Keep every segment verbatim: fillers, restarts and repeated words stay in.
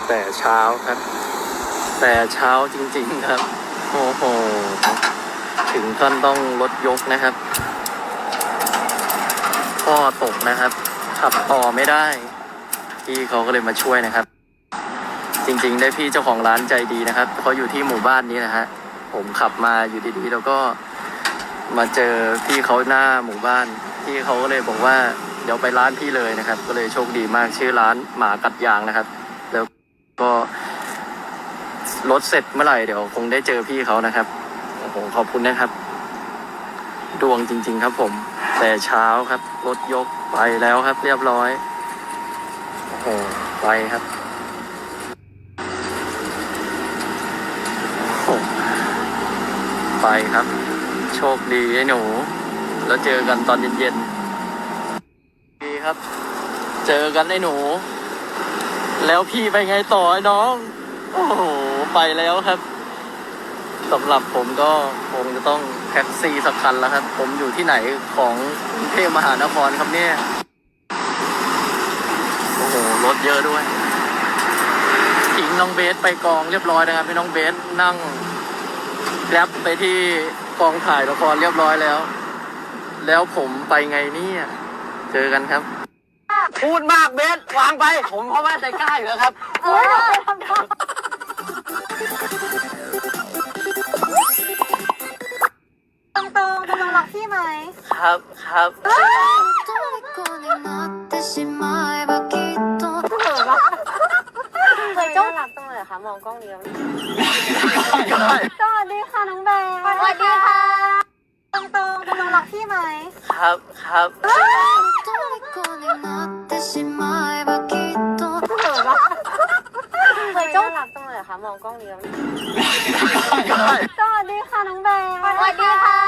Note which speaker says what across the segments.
Speaker 1: แต่เช้าครับ แต่เช้าจริงๆครับโอ้โหถึงขั้นต้องรถยกนะครับพ่อตกนะครับขับต่อไม่ได้พี่เขาก็เลยมาช่วยนะครับจริงๆได้พี่เจ้าของร้านใจดีนะครับเขาอยู่ที่หมู่บ้านนี้นะฮะผมขับมาอยู่ดีๆแล้วก็มาเจอพี่เขาหน้าหมู่บ้านพี่เขาก็เลยบอกว่าเดี๋ยวไปร้านพี่เลยนะครับก็เลยโชคดีมากชื่อร้านหมากัดยางนะครับแล้วก็รถเสร็จเมื่อไหร่เดี๋ยวคงได้เจอพี่เขานะครับโอ้โหขอบคุณนะครับดวงจริงๆครับผมแต่เช้าครับรถยกไปแล้วครับเรียบร้อยโอ้โหไปครับโอ้ไปครับโชคดีไอ้หนูแล้วเจอกันตอนเย็นๆดีครับเจอกันไอ้หนูแล้วพี่ไปไงต่อไอ้น้องโอ้โหไปแล้วครับสำหรับผมก็คงจะต้องแท็กซี่สักคันแล้วครับผมอยู่ที่ไหนของกรุงเทพมหานครครับเนี่ยโอ้โหรถเยอะด้วยทิ้งน้องเบสไปกองเรียบร้อยนะครับให้น้องเบสนั่งแกร็บไปที่กองถ่ายละครเรียบร้อยแล้วแล้วผมไปไงเนี่ยเจอกันครับพูดมากเบสวางไปผมเพราะว่าใจกล้าอยู่แล้วครับ
Speaker 2: เออทำทำตรงตรงตรงรักพี่ไหม
Speaker 1: ครับครับ
Speaker 2: เฮ้ยจ้องรักตรงเลยค่ะมองกล้องเดียวสวัสดีค่ะน้องแบงสวัสดีค่ะตรงตรงตรงรักพี่ไหม
Speaker 1: ครับครับ
Speaker 2: เฮ้ยจ้องรักตรงเลยค่ะมองกล้องเดียวสวัสดีค่ะน้องแบงสวัสดีค่ะ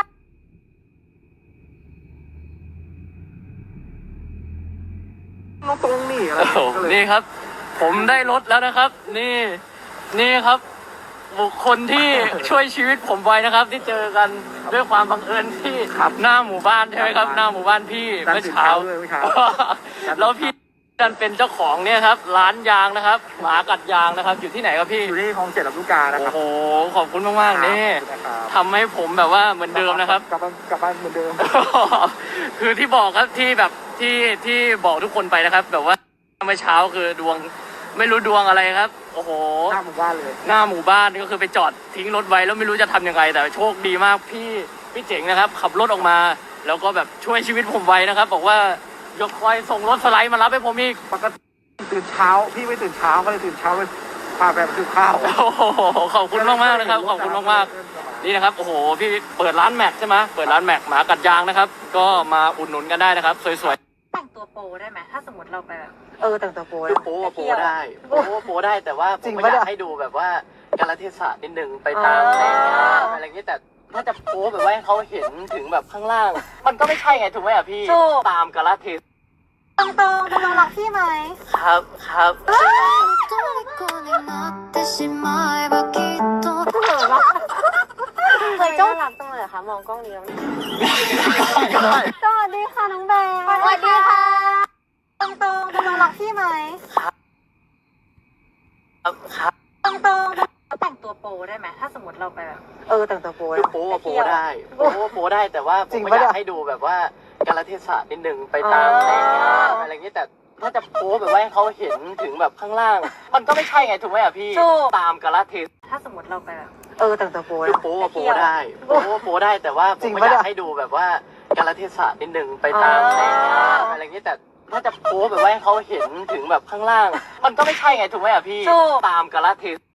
Speaker 1: ตรงนี้อะไรนี่ครับผมได้รถแล้วนะครับนี่นี่ครับบุคคลที่ช่วยชีวิตผมไว้นะครับที่เจอกันด้วยความบังเอิญที่หน้าหมู่บ้านใช่ไหมครับหน้าหมู่บ้านพี่เมื่อเช้าแล้วพี่ดันเป็นเจ้าของเนี่ยครับร้านยางนะครับหมากัดยางนะครับอยู่ที่ไหนครับพี่
Speaker 3: อยู่ที่คลองเจ็ดลำลูกกานะครับ
Speaker 1: โอ้โหขอบคุณมากๆนี่ทำให้ผมแบบว่าเหมือนเดิมนะครับ
Speaker 3: กลับบ้านกลับบ้านเหมือนเดิม
Speaker 1: คือที่บอกครับที่แบบที่ที่บอกทุกคนไปนะครับแบบว่าเมื่อเช้าคือดวงไม่รู้ดวงอะไรครับโอ้โห
Speaker 3: หน้าหมู่บ้านเลย
Speaker 1: หน้าหมู่บ้านก็คือไปจอดทิ้งรถไว้แล้วไม่รู้จะทำยังไงแต่โชคดีมากพี่พี่เจ๋งนะครับขับรถออกมาแล้วก็แบบช่วยชีวิตผมไว้นะครับบอกว่ายกคอยส่งรถสไลด์มารับให้ผมอีก
Speaker 3: ปกติตื่นเช้าพี่ไม่ตื่นเช้าก็เลยตื่นเช้าไปพาแบบคือข้าว
Speaker 1: โอ้โหขอบคุณมากมากนะครับขอบคุณมากมากนี่นะครับโอ้โหพี่เปิดร้านแม็กใช่ไหมเปิดร้านแม็กหมากัดยางนะครับก็มาอุดหนุนกันได้นะครับสวย
Speaker 2: ๆแต่งตัวโปได้ไหมถ้าสมมติเราไปแบบเออแต่งตัวโป
Speaker 1: โปโปได้โปโปได้แต่ว่าผมอยากให้ดูแบบว่ากาลเทศะนิดนึงไปตามอะไรอย่างนี้แต่ถ้าจะโปแบบว่าให้เขาเห็นถึงแบบข้างล่างมันก็ไม่ใช่ไงถูกไหมอ่ะพี่ตามกาลเทศ
Speaker 2: ตรงตรงตรงรักพี่ไหม
Speaker 1: ครับครับ
Speaker 2: เฮ้ยจ้องรักตรงเลยค่ะมองกล้องเดียวสวัสดีค่ะน้องแบงสวัสดีค่ะตรงตรงตรงรักพี่ไหม
Speaker 1: ครับครับ
Speaker 2: ตรงตรงแต่งตัวโปได้ไหมถ้าสมมติเราไปแบบเออแต่งตัวโป
Speaker 1: โปโปได้โปโปได้แต่ว่าผมอยากให้ดูแบบว่ากาลเทศะนิดนึงไปตามอะไรอย่างนี้แต่ถ้าจะโพแบบว่าให้เขาเห็นถึงแบบข้างล่างมันก็ไม่ใช่ไงถูกไหมอ่ะพี่ตามกาลเทศ
Speaker 2: ถ้าสมมติเราไปแบบเออแต่งตัวโป
Speaker 1: โปโปได้โปโปได้แต่ว่าผมอยากให้ดูแบบว่ากาลเทศะนิดนึงไปตามอะไรอย่างนี้แต่ถ้าจะโพแบบว่าให้เขาเห็นถึงแบบข้างล่างมันก็ไม่ใช่ไงถูกไหมอ่ะพี่ตามกาลเทศ